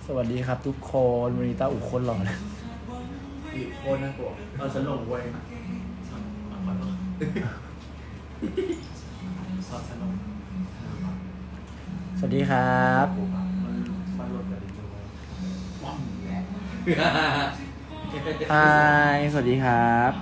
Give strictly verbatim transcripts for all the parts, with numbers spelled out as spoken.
วัสดีครับทุกคนวันนี้ตาอุคนหล่อนะอีกคนน่ากลัวเอาฉันลงเว้ยสวัสดีครับฮายสวัสดีครับ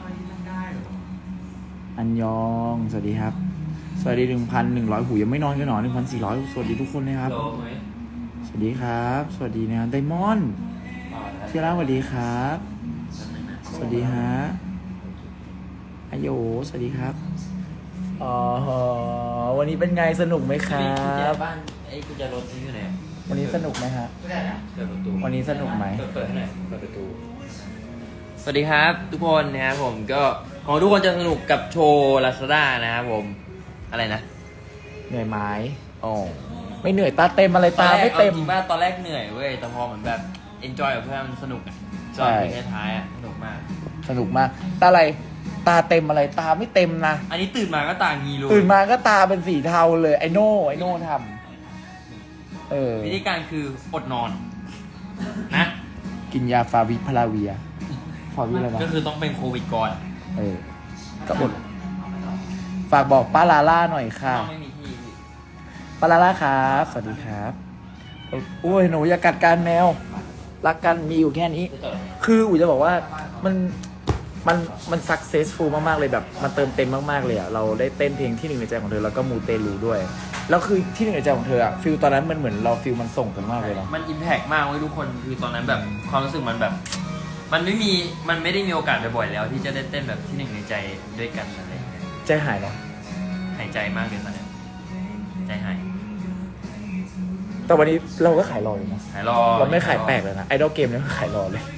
อันยองสวัสดีครับสวัสดีหนึ่งพันหนึ่งร้อยหูยังไม่นอนกันหนอหนึ่งพันสี่ร้อยสวัสดีทุกคนนะครับสวัสดีครับสวัสดีนะไดมอนด์เชียร่าสวัสดีครับสวัสดีฮะอโยสวัสดีครับอ๋อวันนี้เป็นไงสนุกไหมครับบ้านไอ้กุญแจรถที่อยู่ไหนวันนี้สนุกไหมฮะเปิดประตูวันนี้สนุกไหมเปิดให้หน่อยเปิดประตูสวัสดีครับทุกคนนะครับผมก็ของทุกคนจะสนุกกับโชว์ลาซาด้านะครับผมอะไรนะเหนื่อยไหมอ๋อไม่เหนื่อยตาเต็มอะไรตาไม่เต็มจริงป่ะตอนแรกเหนื่อยเว้ยแต่พอเหมือนแบบ enjoy กับเพื่อนมันสนุกอ่ะจอยในท้ายอ่ะสนุกมากสนุกมากตาอะไรตาเต็มอะไรตาไม่เต็มนะอันนี้ตื่นมาก็ตางีรูตื่นมาก็ตาเป็นสีเทาเลยไอโน่ไอโน่ทำเออวิธีการคืออดนอนนะกินยาฟาวิพลาเวียฟาวิอะไรนะก็คือต้องเป็นโควิดก่อนเออก็อดฝากบอกป้าลาล่าหน่อยค่ะไม่มีที่ป้าลาล่าครับสวัสดีครับโอ้ยหนูอย่ากัดกันแมวรักกันมีอยู่แค่นี้คืออู๋จะบอกว่ามันมันมันสักเซสฟูลมากๆเลยแบบมันเติมเต็มมากๆเลยอ่ะเราได้เต้นเพลงที่หนึ่งในใจของเธอแล้วก็มูเตลูด้วยแล้วคือที่หนึ่งในใจของเธออ่ะฟิลตอนนั้นมันเหมือนเราฟิลมันส่งกันมากเลยเนาะมันอิมแพกมากเว้ยทุกคนคือตอนนั้นแบบความรู้สึกมันแบบมันไม่มีมันไม่ได้มีโอกาสบ่อยๆแล้วที่จะได้เต้นแบบที่หนึ่งในใจด้วยกันอะไรอย่างเงี้ยใจหายเนาะหายใจมากเลยตอนนี้ใจหายแต่วันนี้เราก็ขายรออยู่นะขายรอเราไม่ขายแปลกเลยนะไอดอลเกมเนี่ยขายรอเลย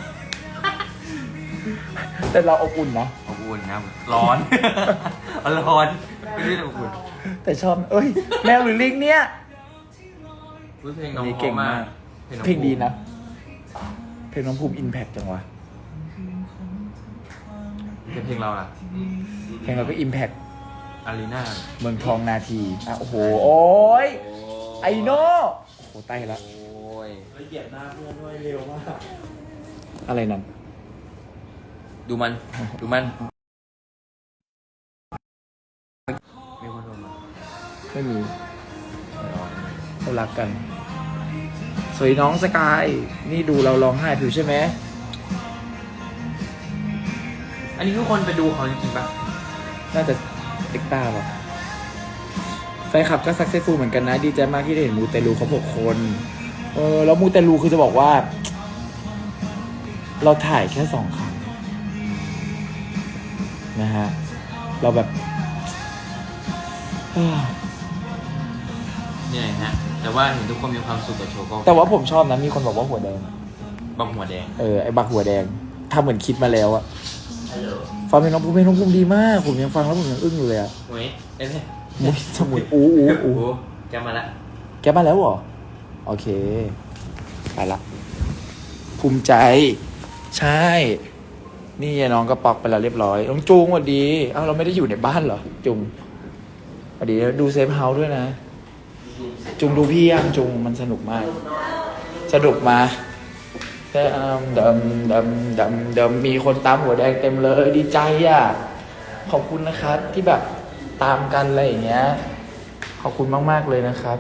แต่เราอบอุ่นนะอบอุ่นนะร้อนร้อนไม่ได้อบอุ่นแต่ชอบเอ้ยแมวหรือลิงเนี่ยเพลงน้องเก่งมากเพลงดีนะเพลงน้องภูมิอิมแพคจังวะเพลงเราล่ะเพลงเราก็อิมแพคอารีนาเมืองทองนาทีอ่ะโอ้โหโอ้ยไอโน่โอ้โหใต้ละโอ้ยเหยียบหน้าเพื่อนด้วยเร็วมากอะไรนั่นดูมันดูมันมีคนโทรมาไม่มีเขารักกันสวยน้องสกายนี่ดูเราร้องไห้ผิวใช่ไหมอันนี้ทุกคนไปดูเขาจริงๆปะน่าจะเอ็กต้าป่ะแฟนคลับก็ซักเซสฟูลเหมือนกันนะดีใจมากที่ได้เห็นมูเตลูเขาหกคนเออแล้วมูเตลูคือจะบอกว่าเราถ่ายแค่สองครั้งนะฮะเราแบบเหนื่อยฮะแต่ว่าเห็นทุกคนมีความสุขกับโชว์ก็แต่ว่าผมชอบนะมีคนบอกว่าหัวแดงบักหัวแดงเออไอ้บักหัวแดงทำเหมือนคิดมาแล้วอะฟังเพลงน้องภูมิเพลงน้องภูมิดีมากผมยังฟังแล้วผมยังอึ้งอยู่เลยอะเฮ้ยเอ้ยมุ้ยสมุนอู้อู้อู้แกมาละแกมาแล้วเหรอโอเคไปละภูมิใจใช่นี่น้องก็ปอกไปแล้วเรียบร้อยน้องจุงสวัสดีเอ้าเราไม่ได้อยู่ในบ้านเหรอจุงสวัสดีดูเซฟเฮาส์ด้วยนะจุงดูพี่ยังจุงมันสนุกมากสนุกมาแต่ดำดำดำดำมีคนตามหัวแดงเต็มเลยดีใจอ่ะขอบคุณนะครับที่แบบตามกันอะไรอย่างเงี้ยขอบคุณมากๆเลยนะครับ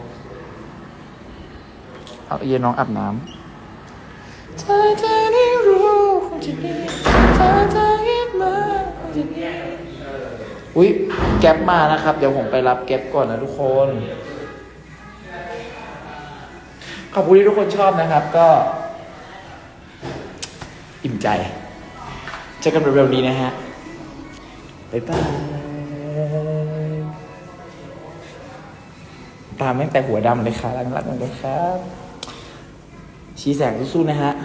เอาเย็นน้องอาบน้ำเธอจะได้รู้คงจะดีเธอจะคิดมาคงจะดีอุ้ยแก๊ปมานะครับเดี๋ยวผมไปรับแก๊ปก่อนนะทุกคนขอบคุณที่ทุกคนชอบนะครับก็อิ่มใจเจอกันเร็วๆนี้นะฮะบ๊ายบายตามตั้งแต่หัวดำเลยค่ะรักๆเลยครับชี้แสงสู้ๆนะฮะ